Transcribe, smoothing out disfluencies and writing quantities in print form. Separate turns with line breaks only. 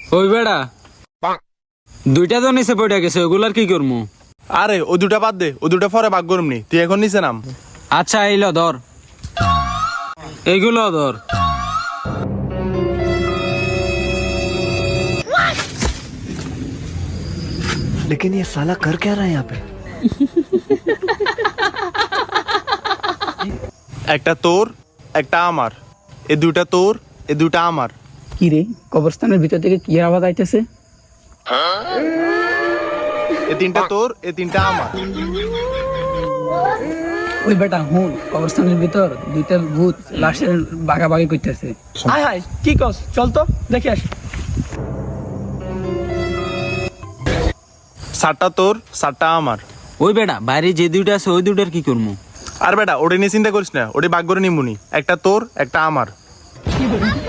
ওই বেড়া দুইটা তো নিচে পড়ে গেছে, ওগুলার কি করবো?
আরে ও দুটা বাদ দে, ও দুটা পরে ভাগ করমনি, তুই এখন নিচে নাম।
আচ্ছা এইলো ধর, এইগুলো ধর।
लेकिन ये साला कर क्या रहा है यहाँ पे?
একটা তোর একটা আমার, এ দুটা তোর এ দুটা আমার।
কি রে, কবরস্থানের ভিতর থেকে কি আওয়াজ আইতেছে?
এ তিনটা তোর এ তিনটা আমার।
ওই বেটা হুন, কবরস্থানের ভিতর দুইটা ভূত লাশের বাগাবাগি করতেছে। হায় হায়, কি কস? চল তো দেখে আসি।
সাতটা তোর সাতটা আমার।
ওই বেটা বাইরে যে দুইটা আছে ওই দুইটার কি করবো?
আর বেটা ওটা নিয়ে চিন্তা করিস না, ওটা ভাগ করে নিমুনি, একটা তোর একটা আমার।